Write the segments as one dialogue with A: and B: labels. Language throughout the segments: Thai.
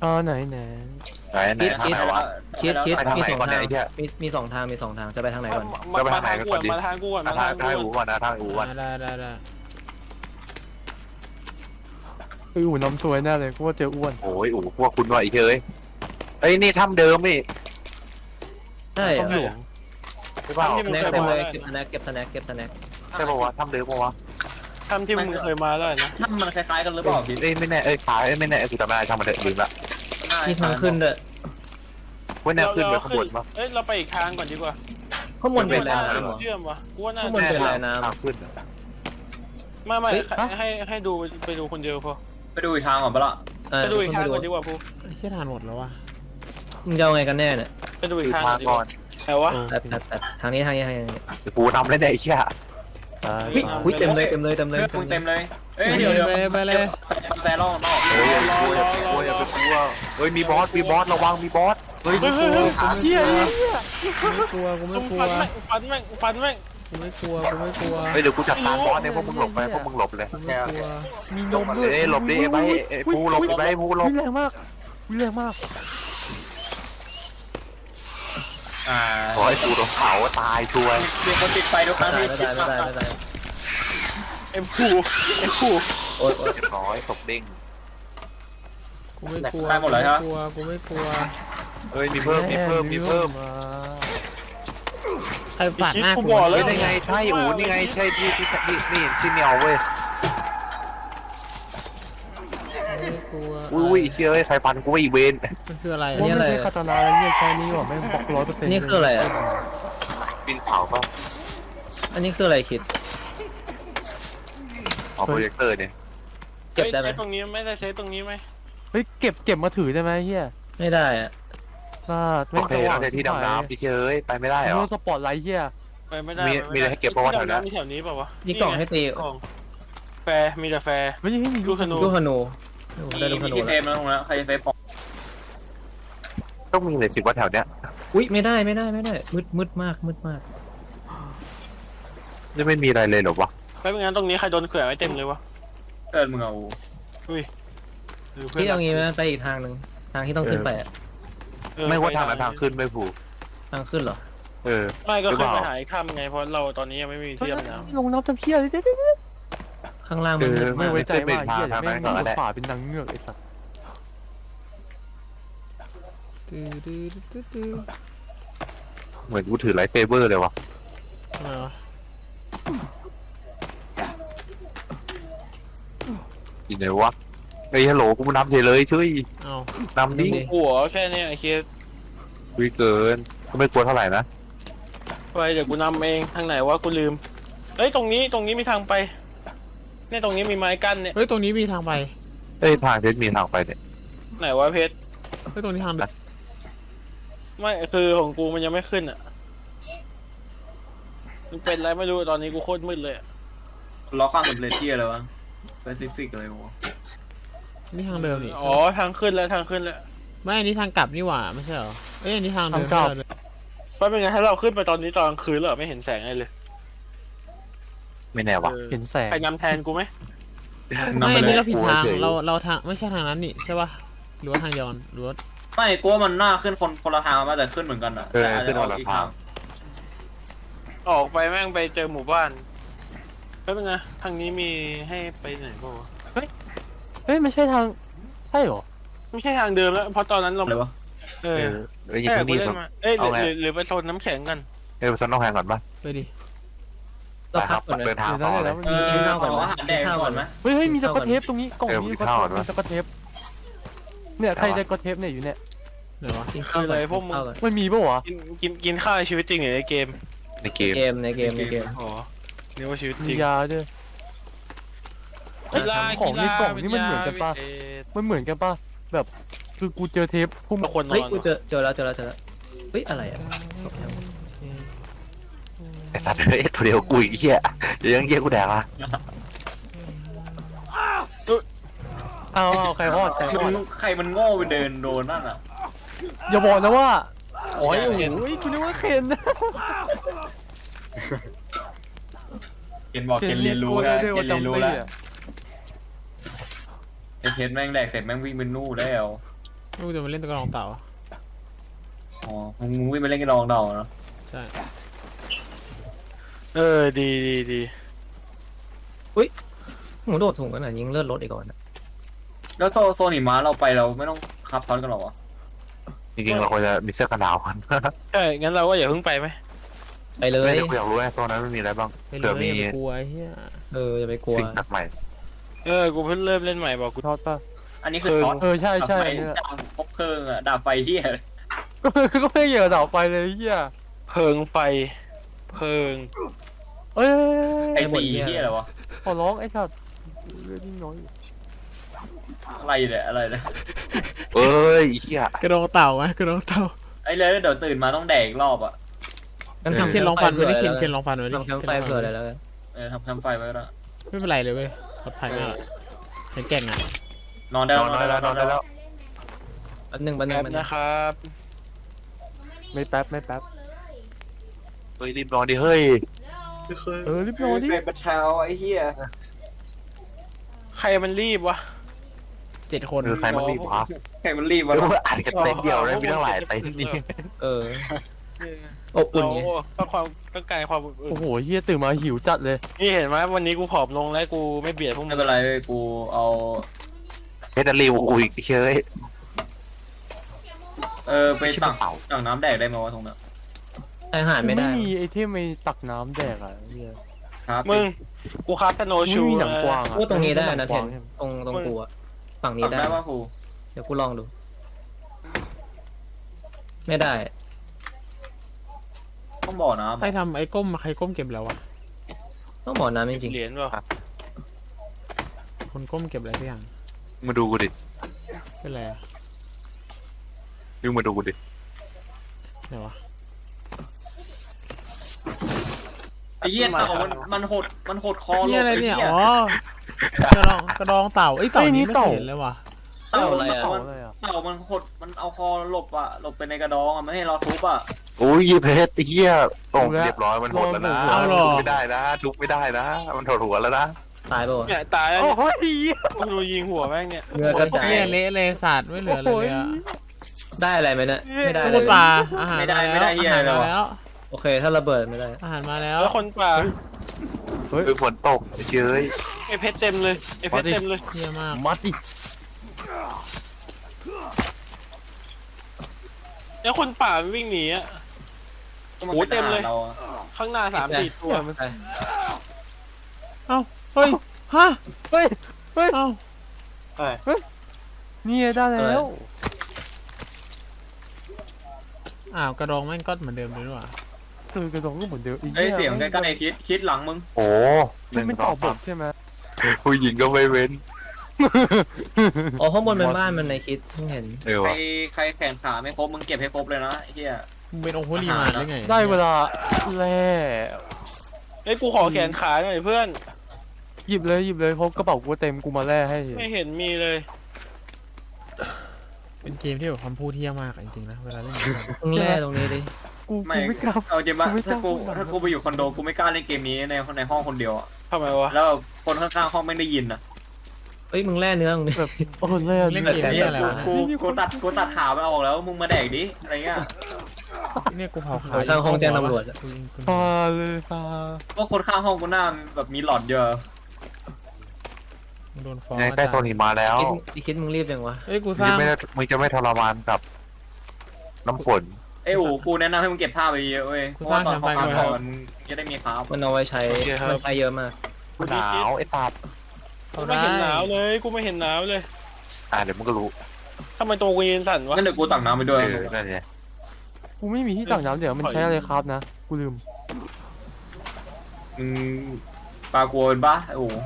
A: ไหน
B: ทางไหนวะ
C: คิด
B: ไปทาง
C: มี
B: ไหน
C: สอง
B: ก่อนเนี่
C: ทาย ง
B: ไอ้เหี้ย
C: มีสองทางจะไปทางไหนก่อน
B: มาทางกูก่อน
D: มาทางกูก่อน
B: ทางอูก่อนนะทางอูก่อน
E: ได้
A: อู่น้ำซวยแน่เลยกูว่าเจออ้วน
B: โอ้ยอูพวกคุณว่าไอ้เฮ้ยเอ้ยนี่ถ้ำเดิมนี่
C: ใช่เหร
A: ต้องหล
C: อ
A: วง
B: ใช่เปล่า
C: สแน็คเต็มเลยเก็บสแน็คเก็บสแน็ค
B: ใช่ป่าวะถ้ำเดิมป่าวะ
D: ทำที่มึงเคยมาแล้วนะ
F: ถ้ามันคล้ายๆกันหรือเปล่าพี่
B: เอ้ยไม่แน่ขายไม่แน่คือจำไม่ได้ทำมาเถอะลืมละ
C: มีทางขึ้นด้วย
B: ว่าแนวขึ้นไปข้างบนปะ
D: เอ้ยเราไปอีกทางก่อนดีกว่า
C: ข้างบนเป็นอะไรน้ำเหรอ
D: เชื่อมวะกูว่าน่า
C: ข้างบนเป็นอะไรน้ำ
B: ทางขึ้น
D: ไม่ให้ดูไปดูคนเดียวพอ
F: ไปดูอีกทางก่อนปะล่ะ
D: ไปดูอีกทางก่อนดีกว่าพู
E: แค่ทานหมดแล้ววะ
C: มึงจะเอาไงกันแน่เนี่ย
D: ไปดูอีก
B: คือ
D: ทาง
B: ทาง
D: ดีก
B: ก่อ
D: ว่าน แต่ว่า
C: แต่ทางนี้
B: กูทำได้ไอ้เหี้ย
C: หุ้ยเต็มเลย
F: เพื่อนมึงเต็มเลยเอ้ยเดี๋ยว
E: ไปเลย
F: แต่รอบ
B: เฮ้ยกลัวอย่าไปกลัวเฮ้ยมีบอสระวังมีบอสเฮ้ย
D: เฮีย
E: กูไม่กลัว
D: ฟันแม่งฟันแม่ง
E: กูไม่กลัว
B: เฮ้ยเดี๋ยวกูจัดการบอสเนี่ยพวกมึงหลบไปพวกมึงหลบเลย
E: กูไม่กลัว
A: มีนมด้วย
B: เอ้ยหลบดิไอ้ปูหลบดิไอ้ปูหลบ
A: แรงมากแรงมาก
B: ขอให้ปูโดนเผาตายช่วย
F: เดี๋ยวคนติดไฟทุกครั้ง
C: ไม่
F: ที่
C: ได้
D: ไอ้ผู้
C: โอ๊ย
B: เรียบร้อยศพเด้ง
E: กูไม่กลัวกูไม่กลัว
B: เฮ้ยมีเพิ่ม
E: ใครปาดหน้ากู
B: เฮ้ยนี่ไงใช่อูนี่ไงใช่ที่นี่ที่เนียวเว้ย
E: ไม่กลัว
B: อุ้ยเชื่อใส่ฟันกูอีเวน
E: มันคืออะไร
A: ว่าไม่ใช่คาตานาแล้วเนี่ยใช้นี่หรอไม่บล็อก100%
C: นี่คืออะไรอ่ะ
B: บินเผาป่ะ
C: อันนี้คืออะไรคิด
B: เอาโปรเจคเตอร์เนี่ย
C: เก็บได้ไหม
D: เซฟตรงนี้ไม่ได้เซฟตรงนี้ไหม
A: เฮ้ยเก็บมาถือได้ไหมเฮีย
C: ไม่ได้อ่ะ
A: พลาด
B: โอเคเราจะที่ดำน้ำพี่เชยไปไม่ได้เหรอ
A: โดนสปอตไลท์เฮีย
D: ไปไม่ได้
B: มีอะไรให้เก็บป่าวะแถวนั้น
D: มีแถวนี้ป่าวะ
C: มีกล่องให้ตี
D: กล่องแฟร์มีแต่แฟร์
A: ไม่ใช่มี
D: ลูกธนู
C: ลูกธนูได้ลูกธนู
F: ที่เซ
C: แล้ว
F: ฟแล้วตรงนั้นใครจะเซฟของ
B: ต้องมีเลยสิว่าแถวเนี้ย
C: อุ้ยไม่ได้มืดมาก
B: นี่ไม่มีอะไรเลยหรอวะ
D: ไม่เป็นงั้นตรงนี้ใครโดนเขื่อนไว้เต็มเลยวะ
F: เกินมึงเอา
C: ที่เอางี้ไหมไปอีกทางหนึ่งทางที่ต้องขึ้นไปอ่ะ
B: ไม่ว่าทางไหนทางขึ้นไม่ผูก
C: ทางขึ้นเหรอ
D: ไม่ก็ขึ้นไปหาอีกถ้ำไงเพราะเราตอนนี้ยังไม่มีที่ดำน้ำ
A: ลงน้ำจำเพี้ยเลย
C: ข้างล่างมันมืด
A: ไม่
C: มาก
A: ไว้ใจว่าเฮีย
B: ทาง
A: ไม่
B: นั้น
A: มี
B: ก่อนแหละ
A: ฝาเป็นนางเงือกไอ้สัส
B: เหมือนกูถือไลท์เซเบอร์เลยวะ
E: ทำไมวะ
B: อีไหนวะไอ้ฮัลโหลกูนำเฉยเลยช่วย
E: เอา
B: นำดิ
D: หัวแค่นี้ไอ้เคส
B: วิเกินก็ไม่กลัวเท่าไหร่นะ
D: ไปเดี๋ยวกูนำเองทางไหนวะกูลืมเฮ้ยตรงนี้มีทางไปเนี่ยตรงนี้มีไม้กั้นเนี่ย
E: เฮ้ยตรงนี้มีทางไป
B: เอ้ยทางเทสมีทางไปเนี่ย
D: ไหนวะเพชร
E: เฮ้ยตรงนี้ทางเดิน
D: ไม่คือของกูมันยังไม่ขึ้นอ่ะมันเป็นอะไรไม่รู้ตอนนี้กูโคตรมืดเลย
F: ล็อกข้างสำเร็จที่อะไรวะสเปซิฟิกเลยวะ
E: นี่ทางเดิมนี่
D: อ๋อทางขึ้นแล้ว
E: ไม่อันนี้ทางกลับนี่หว่าไม่ใช่เหรอเอ้ยอันนี้ทางเดิม
D: เพราะเป็นไงถ้าเราขึ้นไปตอนนี้ตอนกลางคืนแล้วไม่เห็นแสงอะไรเลย
B: ไม่แน่วะ
A: เห็นแสง
D: ใครนำแทนกูไหม
E: ไม่อันนี้เราผิดทาง
B: กลัวเฉย
E: เราทางไม่ใช่ทางนั้นนี่ใช่ป่ะหรือว่าทางเดียวกันหรือว่า
F: ไม่กูว่ามันน่าขึ้นคนละทางมาแต่ขึ้นเหมือนกันอ่ะ
B: ขึ้นคนละทาง
D: ออกไปแม่งไปเจอหมู่บ้านแล้วเป็นไงทางนี้มีให้ไปไหนบ้างวะ
A: เฮ้ยไม่ใช่ทางใช่หรอ
D: ไม่ใช่ทางเดิมแล้วเพราะตอนนั้นเรา
F: อะไรวะ
B: แล้วยิง ที่นี่
D: กูเล่นมาเอ้ยหรือไปโซนน้ำแข็งกัน
B: ไปซันต้องแพงก่อนป่ะ
E: ไปดิ
C: เราพักก่อน
B: เดิ
C: นะ
B: นทางต่อเลย
F: อาหารแดงก่อนไหม
A: เฮ้ยมีสกอตเทปตรงนี้กล่องนี้
B: มีข้าวด้วย
A: สกอตเทปเนี่ยใครได้สกอตเทปเนี่ยอยู่เนี่ย
E: ไหนวะ
C: กินข้าวก่อน
A: มันมีป่ะวะ
D: กินข้าวในชีวิตจริงหรือในเกม
B: ในเกม
C: ในเกม
D: อ๋อนึกว่าชีวิตจ
A: มี
D: ริง
A: ยาด้วยของในกล่องนี่มันเหมือนกันป่ะมันเหมือนกันป่ะแบบคือกูเจอเทปพุ่ม
D: คนนอ
C: เฮ้ย
D: น
C: กูเจอแล้วเฮ้ยอะไรอ่ะ
B: ไอ้สัตว์เฮ้ยตัวเดียวกูอีกเหี้ยเดี๋ยวยังเหี้ยกูแดกละ
A: เอาใครรอด
F: ใครมันโง่ไปเดินโดนนั่นอ่ะ
A: อย่าบอกนะว่าโอ้ยโอ้ยคุณนึกว่าเคน
F: เกณฑ์บอกเกณฑ์เรียนรู้แล้วเกณฑ์เรียนรู้แล้วไอเคสแม่งแดกเสร็จแม่งวิ่งเป็นนู่แล้ว
E: ลูกจะมาเล่นตะกร้องเต่า
F: อ๋อมึงวิ่งไปเล่นกันรองเดาเนาะ
E: ใช่
D: ดี
C: หมูโดดถุงกันหน่อยยิงเลือดรถอีกก่อนนะ
F: แล้วโซนหิมะเราไปเราไม่ต้องคับซ้อนกันหรอวะ
B: จริงๆเราควรจะมีเสื้อกันหนาวกัน
D: ใช่งั้นเราก็อย่าเพิ่งไปไหม
C: ไปเลย
B: ไม่ได้กูอยากรู้ไอ้โซนนั้นมันมีอะไรบ้าง
E: ไปเล
B: เผื่อย มี
E: อย่าไปกลัวไอ้เฮีย
C: อย่าไปกลัว
B: สิ่งแปลกใหม่
D: กูเพิ่งเริ่มเล่นใหม่บอกกู
A: ทอดป่ะ
F: อันนี้คือซ้อน
A: ใช่ใช่
F: ดาบพกเพลิงอะดาบไฟที่
A: ก็ไม่เกี่ยวกับดาวไฟเลยเฮีย
D: เพิงไฟเพิง
A: เอ้ย
F: ไอ้สีที่อะไรวะ
A: ขอร้องไอ้สัตว์เลือดยิ่งน้อย
F: อะไรเนี่ยอะไรเนี่ย
B: เอ้ยไอ้เหี้ย
E: กระดองเต่าไหมกระดองเต่า
F: ไอ้เลยเดี๋ยวตื่นมาต้องแดกอีกรอบอ่ะ
C: งั้น
E: เคนลองฟันไว้ดิเคนลองฟันไว้ดิ
C: ทำแคมป์ไฟเผื่อเลยแล้วกัน
F: ทำไฟไว้แล้ว
E: ไม่เป็นไรเลยเว้ยปลอดภัยมากเห็นแก่งอ่ะ
F: นอนได้
B: นอนได้แล้วนอนได้แล้ว
C: อันหนึ่ง
D: แป๊บ
C: มัน
D: นะครับ
A: ไม่แป๊บไม่แป๊บ
B: เฮ้ยรีบนอนดิเฮ้ย
A: รีบนอนดิ
F: เป็นเช้าไอ้เหี้ย
D: ใครมันรีบวะ
E: 7 คน
B: ใครมันรีบวะ
F: ใครมันรีบ
B: เดี๋
F: วะ
B: ยวอ่านกันเต็นเดียวได้มีทั้งหลายเต็นนี่
C: อบอุ่น
D: เรา
C: ไง
D: ต้องการความอบอุ่น
A: โอ้โหเฮียตื่นมาหิวจัดเลย
D: นี่เห็นไหมวันนี้กูผอมลงแล้วกูไม่เบียดพวกมึ
F: ไม่
D: ง
F: เป็นไรกูเอา
B: เพชรรีบกูอีกเชย
F: ไปตักน้ำแดกได้ไหมวะตรงนั้น
C: อาหารไม่ได้
A: มีไอเทมไอตักน้ำแดกอ่ะเฮีย
F: ครับ
D: มึงกูคับสโนว์
A: ไม่
D: ชู
A: มีหนังกวางอ่ะ
C: ว่าตรงนี้ได้นะ
A: ห
C: เท
A: กวาง
C: นตรงกูอะฝั่งนี้
F: ตัก
C: ได้
F: ได้ป่ะครู
C: เดี๋ยวกูลองดู ไม่ได้
F: ต้องบ่อน้ำ
E: ใครทำไอ้ก้มใครก้มเก็บแล้ววะ
C: ต้องบอกน้ำจริง
D: เหรียญเปล่า
E: คนก้มเก็บอะไรสักอย่าง
B: มาดูกูดิ
E: เป็นไรอะ
B: ยูมาดูกูดิ
E: ไหนวะ
F: ไอ้เหี้ยเต่ามันหดคอ
E: นี่อะไรเนี่ยอ๋อกระดองเต่าไอ้ยเต่านี้ไม่เคยเห็นเลยว่ะ
F: เต่า
A: อะไรอ่ะ
F: เต่ามันหดมันเอาคอหลบไปในกระดองไม่ให้เราทุบอ่ะ
B: โอ้ยเพชรไอ้เหี้ยตรงเรียบร้อยมันหดแล้วนะทุบไม่ได้นะทุบไม่ได้นะมันถอดหัวแล้วนะ
C: ๆตายป่าวะ
D: เนี่ยตายแล้ว
A: โอ้
D: เนี่ย
A: โห
D: กูดูยิงหัวแม่งเนี่ย
C: เนื้อกระจาย
E: เนี่ยเละเลยสัตว์ไม่เหลือเลยอะ
C: ได้อะไรไหมเนี่ยไม่ได้เล
E: พู
C: ย
E: ดปลาอาหารมาแล้วอาหารมาแล้ว
C: โอเคถ้าระเบิดไม่ได้
E: อาหารมาแล้ว
D: แล้วคนป่า
B: ฝนตกเชย
D: ไอเพชรเต็มเลยไอเพชรเต็มเลย
E: เยี่ยมาก
A: มัดดิ
D: แล้วคนป่ามันวิ่งหนีอ่ะ โอ้เต็มเลย ข้างหน้า3-4 ตัวมัน
E: เอ้าเฮ้ยฮะ
A: เฮ้ย
E: เอ้า
A: นี่ได้แล้ว
E: อ้าวกระดองแม่งก็เหมือนเดิมเลยนี่หว่ะ
A: กระดองก็เหมือนเดิม
F: เสียงใกล้ๆคิดหลังมึง
B: โอ้
A: มันเป็นต่อบทใช่ไหม
B: ผู้หญิงก็ไม่เว้น
C: อ๋อข้างบนเป็นบ้านมันในคิดเพิ่งเห็น
F: ใครแขนขาไม่ครบมึงเก็บให้ครบเลยนะไอ้เหี้ย
E: มึงเป็นองค์โฮลีมาได้ไง
A: ได้เวลาแล่
D: เฮ้ยกูขอแขนขาหน่อยเพื่อน
A: หยิบเลยเพราะกระเป๋ากูเต็มกูมาแล่ให้
D: ไม่เห็นมีเลย
E: เป็นเกมที่แบบคำพูดเที่ยมากอะจริงๆนะเวลาเล่นเกม
C: มึงแร่ตรงนี้ดิ
A: กูไม่กล้า
F: เอาจริงปะ
A: กูไม่กล้า
F: ถ้ากูไปอยู่คอนโดกูไม่กล้าเล่นเกมนี้ในห้องคนเดียวอ่ะ
D: ทำไมวะ
F: แล้วคนข้างๆห้องไม่ได้ยินอ่ะ
C: เฮ้ยมึงแร่เนื้อตรงนี้
A: แบบโอ้แล่
E: เล่นเกมนี้อะไรวะ
F: กูตัดขามันออกแล้วมึงมาแดกดิอะไรเงี้ย
E: เนี่ยกูเผาขา
C: ทางห้องแจ้งตำรวจอะ
E: กูยิงกู
A: พาเลยพา
F: ก็คนข้างห้องกูหน้าแบบมีหลอดเยอะ
E: โดนฟ้อง
B: ใกล้โซนหิมะแล้ว
C: คิดมึงรีบยังวะ
E: เฮ้ยกู
B: มึ
E: สร้าง
B: งจะไม่ทรมานกับน้ำฝน
F: ไอ้อู๋กูแนะนำให้มึงเก็บผ้าไปเยอะเว้ยเพราะว่าตอนเขาทำมันจะได้มีคราฟ
C: มันเอาไว้ใช้มันใช้เยอะมาก
B: หนาวไอ้ตับ
D: กูไม่เห็นหนาวเลยกูไม่เห็นหนาวเลย
B: เดี๋ยวมึงก็รู้
D: ทำไมตัวกูยืนสั่นวะ
F: งั้นเดี๋ยวกูตักน้ำไปด้วย
B: นั่นไง
A: กูไม่มีที่ตักน้ำเดี๋ยวมันใช้อะไรครับนะกูลืม
F: มึงปลากลัวเป็นปะไอ้อู๋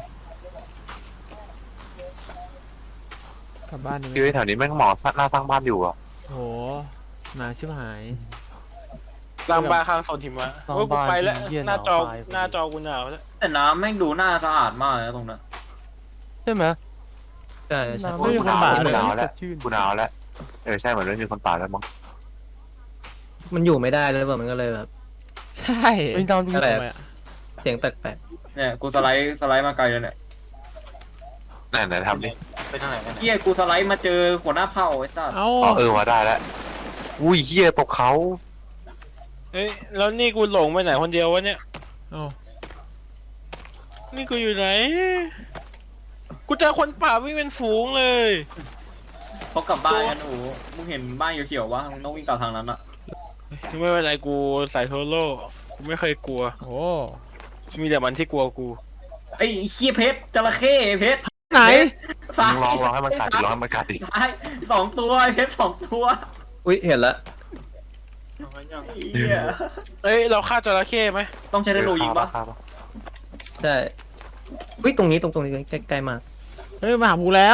E: กลับบ้านนี่
B: คือแถวนี้แม่งหมอหน้าสร้างบ้านอยู่อ่ะ
E: โหหนาชิบหาย
D: ลางบาข้างโซนหิมะเฮ้ยกูไปแล้วหน้าจอกูหนาวแล้ว
F: แต่น้ำแม่งดูหน้าสะอาดมากเลยนะตรงนั้น
A: ใช่ไหม
C: ใช่ใช่
A: น้ำไม่มีคนบาดเลยชื่น
B: กูหนาวแล้วใช่เหมือนไม่มีคนป่าแล้วมั้ง
C: มันอยู่ไม่ได้เลยแบบมันก็เลยแบบ
E: ใช่
A: เป็นดาวดู
C: อะไร
E: ทำไมอะ
C: เสียงแปลก
F: เนี่ยกูสไลด์มาไกลเลยเนี่ย
B: ไหนทำดิ
D: ไปทางไหนกัน
F: เฮียกูสไลด์มาเจอหัวหน้าเผ่าไอ้สัส
E: เอ้า
B: อ๋อมาได้แล้วอุ้ยเหี้ยตกเขา
D: เอ้ยแล้วนี่กูหลงไปไหนคนเดียววะเนี่ย
E: เอ้า
D: นี่กูอยู่ไหน กูเจอคนป่าวิ่งเป็นฝูงเลย
F: เขากลับบ้านกันโอ้มึงเห็นบ้านเขียวๆวะมึงต้องวิ่งกลับทางนั้นอะ
D: ไม่เป็นไรกูใส่โทโร่กูไม่เคยกลัว
E: โอ้
D: มีแต่มันที่กลัวกู
F: ไอ้เฮียเพชรจระเข้เพชร
E: ไหน
F: ซ้าย
B: ลองให้มันกัดดิลองให้มันกัดดิ
F: ซ้าย2 ตัวไอ้เพชร2 ตัว
C: อุ้ยเห็นละ
F: เฮีย
D: เอ้ยเราฆ่าจระเข้ไหม
F: ต้องใช้ได้โลยิงปะ
C: ใช่อุ้ยตรงนี้ตรงนี้ใกล้ๆมาก
E: เฮ้ยมาหากูแล้ว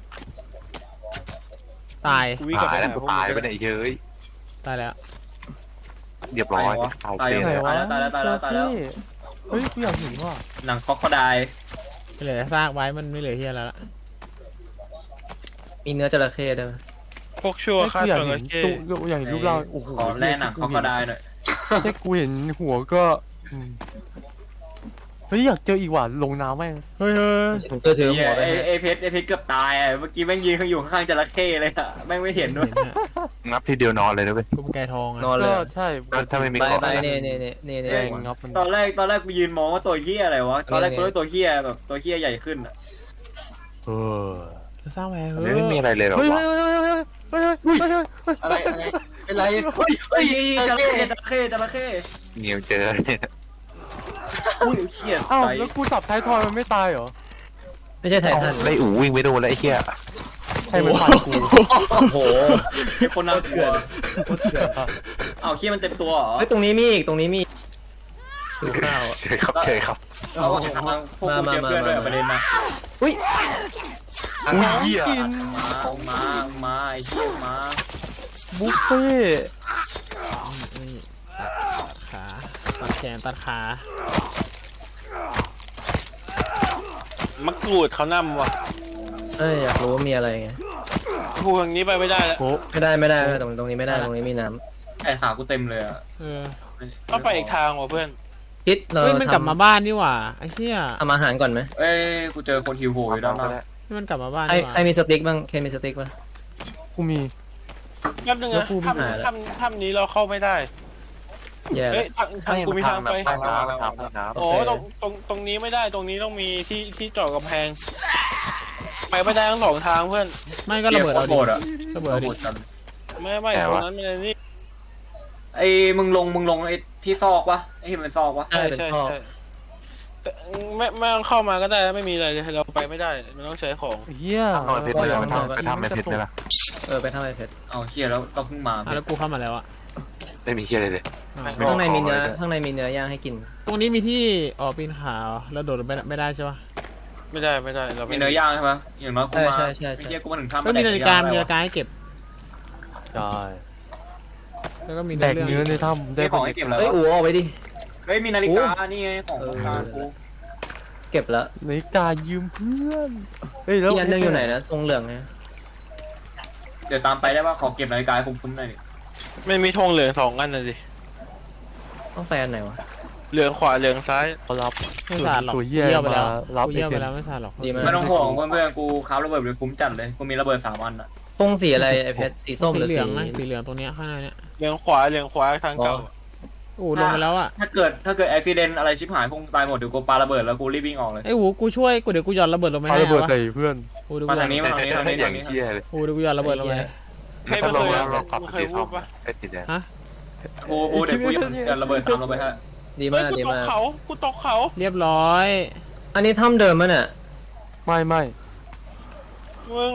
E: ตาย
D: กูวิ่งกลับ
B: ตาย
D: ไป
B: แล้ว
D: หาพวก
B: ตายไป
D: มึง
B: ไหนเย้ย
E: ตายแล้ว
B: เรียบร้อยตาย
F: ตาย
B: เสีย
F: ไหนวะ ตายแล้วตายแล้วตายแล้ว
A: เฮ้ยกูอยากเห็นว่ะ
F: หนังคอกคอได
E: ไม่เหลือซากไว้มันไม่เหลือเฮียแล้วล่ะ
C: มีเนื้อจระเข้ด้วยไหม
D: พวกชั่ว
A: เฮ้ย
D: ฆ่า
A: กูอยาก
D: จ
A: เห็
D: ระ
A: น
D: เข้
A: ตัวอยากเห็นรูปร่างโอ้โห
F: ขอแล่หนังคอกคอไดหน่อย
A: แค่กูเห็นหัวก็เฮ้ยอยากเจออีกว่ะลงน้ำแม่ง
E: เฮ้ยเฮ้ย
C: ผมก็ถือ
F: เฮี
C: หั
F: ยว
C: ไป
F: ไอ้เพชรเกือบตายอ่ะเมื่อกี้แม่งยืนอยู่ข้างๆจระเข้เลยอ่ะแม่งไม่เห็นด้วย
E: เห็นฮะ
B: งับทีเดียวนอนเลยนะเว้ย
E: กูเป็นไก่ทองอะ
C: นอนเลย
A: ก็ใช่
B: ถ้าไม่มี
C: ใบ
B: เกาะ
C: ใบเนี่ย
A: แดงงับมัน
F: ตอนแรกกูยืนมองว่าตัวเฮียอะไรวะตอนแรกกูว่าตัวเฮียแบบตัวเฮียใหญ่ขึ้นอ่ะ
B: เออ
E: จะสร้างไว้เฮ้
B: ไม่มีอะไรเลยหรอ
A: เฮ้ยว
B: ะ
A: เฮ้ยเฮ้ยเฮ้ยเฮ้ยเฮ้ยเฮ้ย
F: อะไรเป็นไรเฮ้ยจระเข้
B: เนียวเจอเนี่ย
F: อุ้ยเฮีย
A: เอ้า
F: ใจ
A: แล้วกูจับท้ายทอยมันไม่ตายเหรอ
C: ไม่ใช่ไททัน
B: ไล่อู๋วิ่งไปโดนแล้วไอ้เหี้ย
A: ให้มันฟันกู
F: โอ้โหคนน่ากลัวอ้าวเฮียมันเต็มตัวเหรอ
C: เฮ้ยตรงนี้มีอีกตรงนี้มีดูข้าว
B: เฉยครับเฉยครับ
F: เราก็เห็นทางพวกกูเจอเพื่อนด้วยประเด็นนะ
C: อุ้ย
B: อุ้ยเหี้ย
F: มาไอ้เฮียมา
A: บุฟเฟ่ต์
E: นี่ตัดขาตัดแขนตัดขา
D: มะกรูดเขานำว่ะ
C: อยากรู้ว่ามีอะไรไง
D: กูทางนี้ไปไม่ได้แล้ว
A: โอ้
C: ไม่ได้ตรงนี้ไม่ได้ตรงนี้มีน้
F: ไอ้ขากูเต็มเลยอ่ะ
E: เออ
D: ต้องไปอีกทางว่ะเพื่อน
C: ำคิดเรา
E: เฮ้ยมันกลับมาบ้านนี่หว่าไอ้เหี้ย
C: ทำอาหารก่อนไหม
F: เอ้ยกูเจอคนหิวโหยด้านหน้า
E: นี่มันกลับมาบ้าน
C: ใคร
E: นี่หว่า
C: ใครมีสติ๊กบ้างมีสติ๊กบ้าง
A: กูมี
D: แป๊บนึง
C: แล้ว
D: นะ
C: กูไม่หาแล้ว
D: ถ้ำนี้เราเข้าไม่ได้
C: แย่
D: เฮ้ยทางกูมีทางไป
B: ทางน้ำ
D: โอ้ตรงนี้ไม่ได้ตรงนี้ต้องมีที่เจาะกำแพง ไปไม่ได้ทั้ง2 ทางเพื่อน
E: ไม่ก็ระเบิดเอา
F: โห
E: ดิ
F: ดอ่ะ
E: ระเบิดเอาดิ
D: ไม่ตรงนั้นไม่ได้นี่
F: ไอ้มึงลงไอ้ที่ซอกวะไอ้ที่มันซอกวะ
C: ใช่เป็น
D: ใช่
C: ท่อ
D: ใช่แต่ไม่ต้องเข้ามาก็ได้ไม่มีอะไรเลยเราไปไม่ได้มันต้องใช้ของ
A: เฮีย
B: ทำหน่อยเพชรเลยไปทำในเพชรเลยนะ
C: ไปทำไอเพชร
F: เอาเฮียแล้วเราเพิ่งมา
E: อ่ะแล้วกูเข้ามาแล้วอะ
B: ไม่มีเหี้ยอะไรเลย
E: อ่ะ
B: ไม่
C: ข้างในมี
B: ขอ
C: เนื้อ
B: เลย
C: ข้างในมีเนื้อย่างให้กิน
E: ตรงนี้มีที่ปีนเขาแล้วโดดไม่ได้ใช่ปะ
D: ไม่ได้เรา
F: มี
D: ไม่
F: เนื้อย่างใช่ปะอย่างน้อยกูมา
C: ใช่
F: ไอ้เฮียกูมาถึงถ้ำ
E: ก็มีนาฬิกาให้เก็บ
A: ใช่
E: แล้วก็มี
A: แดกเนื้อในถ้ำได้
F: ได้ของให้เก็บแล้ว
C: เฮ้ยอู๋ออกไปดิ
F: เฮ้ยมีนาฬิกานี่ไงของการกู
C: เก็บแล้ว
A: นาฬิกายืมเพื่อนเฮ้ยแล้ว
C: อีกอันหนึงอยู่ไหนนะทรงเหลืองไง
F: เดี๋ยวตามไปได้ป่ะขอเก็บนาฬิกาให้คุ้มๆหน่อยดิ
D: ไม่มีธงเหลือง2 อันนะสิ
C: ต้องไปอันไหนวะ
D: เหลืองขวาเหลืองซ้าย
A: เขารับ
E: ไม่สาดหรอก
A: ตัว
E: กู
A: เหี้ย
E: เยี่ยวไปแล้ว
A: มารับ
E: กู
A: ไอ
E: เยี่ยว
A: เท
E: ไป
A: ม
E: แล้วไม่สาดหรอก
C: ดีมาก
F: ไม่ต้องห่วงเพื่อนๆกูค้าระเบิดเลยคุ้มจัดเลยกูมีระเบิด3 อันอ่ะ
C: ธงสีอะไรไอเพชรสีส้มหรือ
E: เหลื
C: สี
E: องนะสีเหลืองตรงเนี้ยข้างในเนี้ย
D: เหลืองขวาทางเก่า
E: ลงไปแล้วอะ
F: ถ้าเกิดอุบิเหตุอะไรชิบหายพวกตายหมดเดี๋ยวกูปาระเบิดแล้วกูรีบวิ่งออกเลย
E: ไอ้หูกูช่วยกูเดี๋ยวกูหย่อนระเบิดลงไป
A: ปา
E: ให้
A: ระเบิด
E: วะ
A: ใส่เพื่อน
E: กูเดี๋ยว
F: มา
E: กูหย่
F: ทางนี้มาทางนี้ทางนี้
B: อย่า
F: ทาง งนี้
B: เหี้ยเลย
E: กูเดี๋ยวกูหย่อนระเบิดลงไป
D: ให้
B: ถ้า
D: มัน
B: ลง
D: เคย
B: แล้วเราขับ
D: มัน
B: ไป
D: เคย
B: สี
D: พู
B: ส้
D: ด
B: ม
D: ปะ
B: ไอ้สีแดง
F: กูเดี๋ยวกูยันระเบิดตามลงไปฮะ
C: ดี
D: เฮ้
C: มาย ก
D: กู
C: ดี
D: ตก
C: มาก
D: เขากูตกเขา
E: เรียบร้อย
C: อันนี้ถ้ำเดิมมั้ยเนี่ย
A: ไม่
D: มึง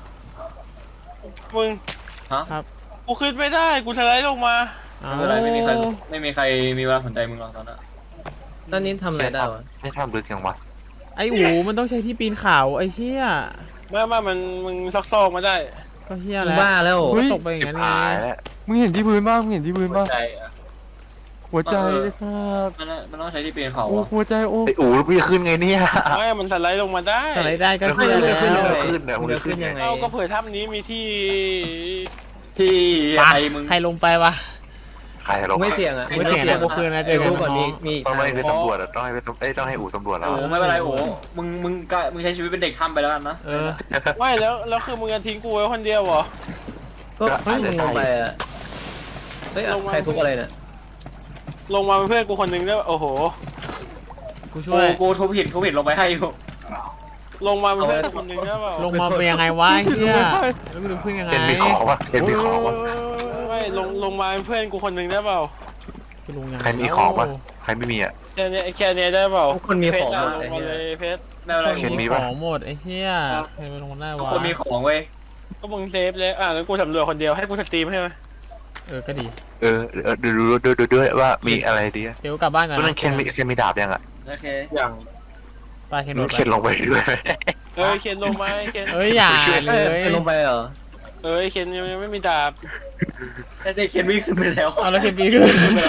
F: ฮะ
D: กูขึ้นไม่ได้กูสไลด์ลงมา
E: เอา
F: ไม่เป็นไรไม่มีใครมีเวลาสนใจมึงหรอกตอนนั้น
C: ตอนนี้ทำอะไรได้วะ
B: ไม่ทำลึกยังวะ
E: ไอ้หูมันต้องใช้ที่ปีนเขาไอ้เชี่ย
D: ไม่มึงซอกมาได้
E: ก็เชี่ย
C: มึง
E: แล้ว
C: บ้าแล้ว
E: ก็ตกไปอย่าง
B: ชิบ
E: นั้นไง
B: หายแล้ว
A: มึงเห็นที่พื้นบ้างมึงเห็นที่พื้นบ้าง
F: ใจ
A: หัวใจไอ้สัส
F: มันต้องใช้ที่ปีนเขา
A: โอ้หัวใจโอ้
B: ไอ้อู๋แล้วพี่ขึ้นไงเนี่ย
D: ไม่มันสไลด์ลงมาได้
E: อะไรได้ก็
B: แล้ว
E: เชี่ย
B: ขึ้น
E: แล้ว
B: แล้วขึ้นเนี่ย
C: มึ
B: มึ
C: ง
B: ง
C: จะ
B: ขึ้
C: ขึ้
B: น
C: น
B: ยั
C: ยัง ง
B: ไง
C: ไง
D: เอาก็เผื่อถ้ำนี้มีที่
F: ที่
E: ไป
F: ไอ้มึง
E: ใครลงไปวะ
B: ใครลง
C: ไม่เสี่ยงอ่ะ
E: ไม่เสี่ยงนะกูคืนนะเจอกัน
C: รู้ก่อน
E: น้
C: มี
E: อง
C: มีอีก
B: ต้อง
C: ทาง
B: ให้ไปสำรวจอ่ะต้องให้อู่สำรวจแล้ว
F: โอ้ไม่เป็นไรโอ้มึงใช้ชีวิตเป็นเด็กทำไปแล้วกันนะ
E: เออ
D: ไม่แล้วคือมึงจะทิ้งกูไว้คนเดียวเหรอ
C: ก็เฮ้ยมึงลงไปอ่ะเฮ้ยใครทุบอะไรเนี่ย
D: ลงมาเป็นเพื่อนกูคนหนึงได้โอ้โห
E: กูช่วย
F: กูทุบหินลงไปให้อยู่
D: ลงมาเป็นเพื่อนกูคนหนึงได้เปล่า
E: ลงมาเป็นยังไงวะไอ้เหี้ยแล้วกูจะพึ่งยังไง
B: เห็นมีของวะเห็นมีของวะ
D: ไม่ลงมาเป็นเพื่อนกูคนหนึงได้เปล่า
E: กูลงยังไง
B: ใครมีของวะใครไม่มีอ่ะ
D: แค่เนี้ยได้เปล่า
C: ทุกคนมีของหมด
D: ล
C: ไอ้
D: งมา
C: เหี้ย
D: เลยเพชร
F: ไม่เป็นไร
B: เขียนมี
E: ข
B: ปะ
E: องหมดไอ้เหี้ยใครไปลงได้
F: ทุก
E: วะ
F: คนมีของเว้ย
D: ก็มึงเซฟเลยงั้นกูสำรวจคนเดียวให้กูสตรีมใช่ไหม
E: เออก็ดี
B: ดูด้วยว่ามีอะไรดีอ่ะ
E: เดี๋ยวกลับบ้านก่อน
B: นั่
E: นะ
B: นเคนมีดาบยังอ่ะ
F: โอเค
D: อย่าง
E: ไปเคนโด
B: มัน
E: ดไป
B: เคนลงไปด้วย
D: เคนลงมาเคน
E: เอ้ยอย่า
B: ช่วย
E: เล
C: เอ้ย
E: ย
C: ลงไปเหรอ
D: เคนยังไม่มีดาบ
F: แต่เจเคนวิ่งขึ้นไปแล้ว
E: เอาแล้วเคนปีขึ้น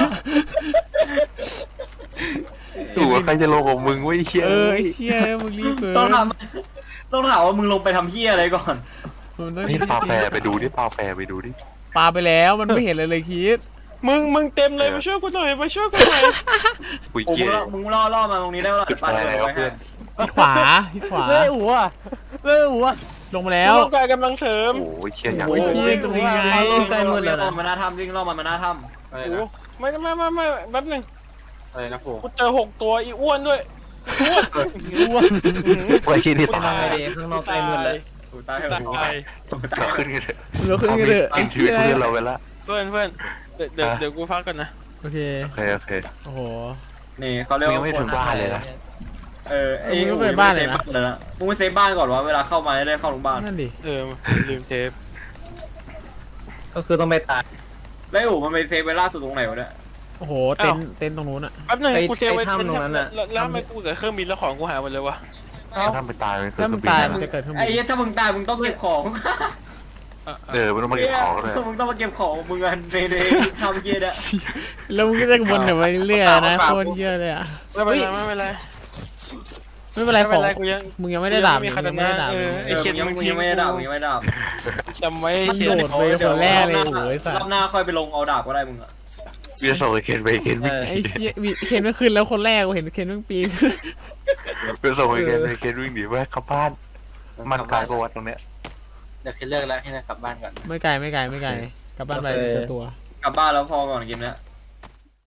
B: ดูว่าใครจะลงของมึงไว้เชี่ย
E: เออไอ้เชี่ยมึงรีบเกิน
F: ต้องถามว่ามึงลงไปทำเหี้ยอะไรก่อน
E: มึงต้อง
B: นี่ปลาแฟร์ไปดูดิปลาแฟร์ไปดูดิ
E: ปาไปแล้วมันไม่เห็นเลยคิด
D: มึงเต็มเลยมาช่วยกูหน่อยมาช่วยกูหน่อย
B: คุย
F: โอ้
B: เกียร์
F: มึงล่อมาตรงนี้ได้แล้ว
B: จุดไฟแล้วเพื่อน
E: ที่ขวาที่ขวา
A: เลยอู๋อะเลยอู๋อะ
E: ลงมาแล้ว
D: ต้องการกำลังเสริม
B: โอ้ยเชี่ยอย่าง
E: โอ้ย
F: วิ่งตรงนี้ไงใกล้มืดแล้วมันน่าทำวิ่งล่อมันน่าท
D: โอ้โหไม่แป๊บหนึง
A: อะไรนะโผ
D: กูเจอ6 ตัวอีอ้วนด้วย
A: อ้วน
B: ไว้ที่นี่
C: ทำ
B: ตาย
C: ไงดีข้างนอกใกล้มืดแล้ว
F: ำถูกตาย
D: ตาย
B: เราขึ้นกันเถอะ
E: เราขึ้นกันเถอะ
B: กินชีวิตเพื่อนเราไปละ
D: เพื่อนเดี๋ยวกูพักก่อนนะ
E: โอเค
B: โอเค
E: โอ้โห
F: นี่เขาเรียก
B: ยัง
F: ว่า
B: ไม่ถึงบ้านเลยนะ
F: มึงไปบ้านเลยนะมึงไปเซฟบ้านก่อนวะเวลาเข้ามาได้เข้าโรงพยาบาล
E: นั่นดิ
D: ลืมเทป
C: ก็คือต้องไปตาย
F: แล้วอู๋มันไปเซฟไว้ล่าสุดตรงไหนวะเนี่ย
E: โอ้โหเต็นท์ตรงนู้นอะ
D: แป๊บหนึงกูเซฟไว้แล้วทำไมกูกับเครื่องบินแล้วของกูหายหมดเลยวะ
B: ถ้าไปตายมัน
E: ถ้ามึงตายมันจะเกิดขึ้น
F: ไอ้เหี้ยถ้ามึงตายมึงต้องเก็บของ
B: มันต้องมาเก็บของเลย
F: มึงต้องมาเก็บของมึงกันในทำเหี้ยเนี่ย
E: แล้วมึงก็จะวนไปเรื่อยๆนะโคตรเยอะเลยอะ
D: ไม่เป็นไร
E: ไม่เป็นไรของ
D: กูยัง
E: มึงยังไม่ได้ดาบ
D: มี
E: มึง
D: คา
E: ยั
D: ตาง
E: ไม่
D: นะ
E: ได้ดาบเลย
D: ไอ้เคน
F: มึงยังไม่ได้ดาบมึงยังไม่ได้ดาบ
D: จำไว้
E: มัน
D: เคน
E: โดดไปคนแรกเลยโอ้ยสั
F: ร
E: ส
F: อบหน้าค่อยไปลงเอาดาบก็ได้มึงอะ
B: พี่จะส่งไอ้เคนไปเคน
E: ไอ้เหี้ยเคนไม่ขึ้นแล้วคนแรกกูเห็นเคนต้องปีน
B: ไปส่งไอ้เคนวิ่งหนีไปเข้าบ้านมันกลายประวัติตรงเนี้ย
A: เดี๋ยวเคนเลิกแล้วให้กลับบ้านก่อน
E: ไม่ไกลกลับบ้านไปตัว
F: กลับบ้านแล้วพอก่อนเกมเนี้ย